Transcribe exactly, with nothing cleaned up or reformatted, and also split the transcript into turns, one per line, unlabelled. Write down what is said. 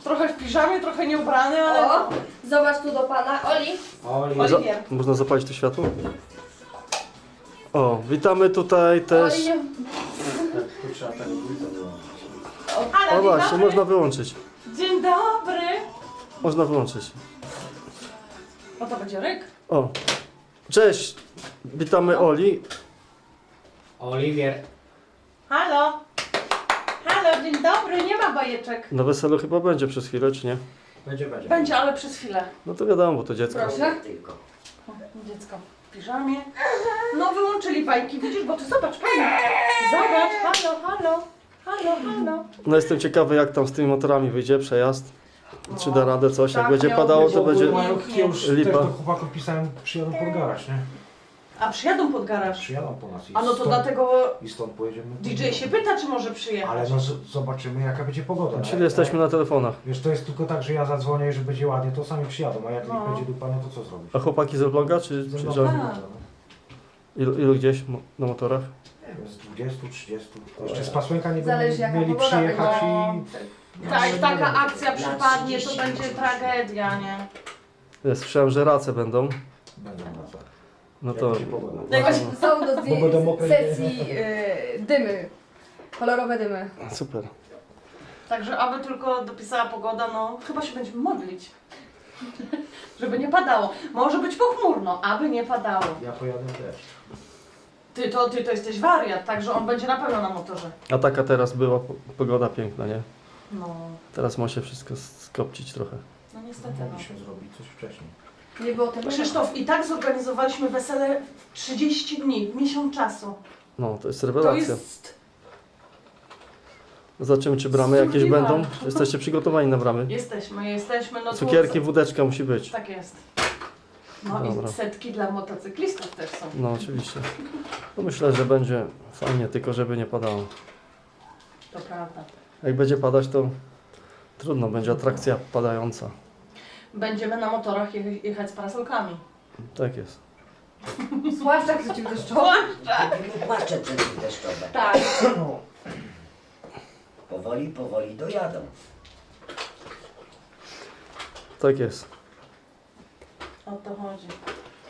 Trochę w piżamie, trochę nieubrany, ale...
O, zobacz tu do pana. Oli.
Oli.
Za- Oliwier.
Można zapalić to światło? O, witamy tutaj też.
Oli nie...
Tak,
Tu trzeba tak dwójkę wyłączyć.
Ale
O
dzień
właśnie,
dobry.
można wyłączyć.
Dzień dobry.
Można wyłączyć.
O, to będzie ryk.
O, cześć. Witamy Oli.
Oliwier.
Halo. Halo, dzień dobry. Nie ma bajeczek.
Na weselu chyba będzie przez chwilę, czy nie?
Będzie, będzie.
Będzie, ale przez chwilę.
No to wiadomo, bo to dziecko.
Proszę.
Tylko.
O, dziecko w piżamie. No wyłączyli bajki, widzisz, bo ty zobacz, pani. Zobacz, halo, halo. Halo, halo.
No jestem ciekawy, jak tam z tymi motorami wyjdzie przejazd. Czy da radę coś? Jak
tak,
będzie
miało
padało,
być
to będzie...
ogólnie.
Ja już
lipa.
też do chłopaków pisałem, przyjadą pod garaż, nie?
A przyjadą pod garaż.
Przyjadą po nas i
A no to
stąd,
dlatego
i stąd pojedziemy.
D J się pyta, czy może przyjechać.
Ale no z- zobaczymy jaka będzie pogoda.
Czyli
nie?
jesteśmy na telefonach.
Wiesz, to jest tylko tak, że ja zadzwonię i że będzie ładnie, to sami przyjadą, a jak
No.
nie będzie dupa, no to co zrobisz?
A chłopaki z Elbląga, czy,
Ze
czy
mną
że...
będzie
Tak.
dupa, no.
ilu, ilu gdzieś mo- na motorach?
Nie wiem, z dwudziestu, trzydziestu. Jeszcze z Pasłęka nie
Zależy,
będą
jaka
mieli
pogoda
przyjechać
będzie.
i...
Tak, jak taka
No,
akcja przypadnie, to będzie tragedia, nie?
Ja słyszałem, że race będą.
Będą na co.
No
Jak
to...
będzie pogoda.
Jak-
Są do
Bo będą
zdjęć
mokre
sesji y, dymy. Kolorowe dymy.
Super.
Także aby tylko dopisała pogoda, no chyba się będziemy modlić. Żeby nie padało. Może być pochmurno, aby nie padało.
Ja pojadę też.
Ty to, ty to jesteś wariat, także on będzie na pewno na motorze.
A taka teraz była po- pogoda piękna, nie?
No,
Teraz ma się wszystko skopcić trochę.
no niestety no.
Mogliśmy zrobić coś wcześniej.
Nie było tego.
Krzysztof, i tak zorganizowaliśmy wesele w trzydzieści dni, w miesiąc czasu.
No, to jest
To
rewelacja.
jest...
Zobaczymy, czy bramy jakieś
Survival.
będą. Jesteście przygotowani na bramy?
Jesteśmy, jesteśmy, no tu-
Cukierki, wódeczka musi być.
Tak jest. No
Dobra.
i setki dla motocyklistów też są.
No, oczywiście. No, myślę, że będzie fajnie, tylko żeby nie padało.
To prawda.
Jak będzie padać, to trudno, będzie atrakcja padająca.
Będziemy na motorach je- jechać z parasolkami.
Tak jest.
Zwłaszcza jak przeciwdeszczowe.
Płacze przeciwdeszczowe.
Tak.
Powoli, powoli dojadą.
Tak jest.
O to chodzi.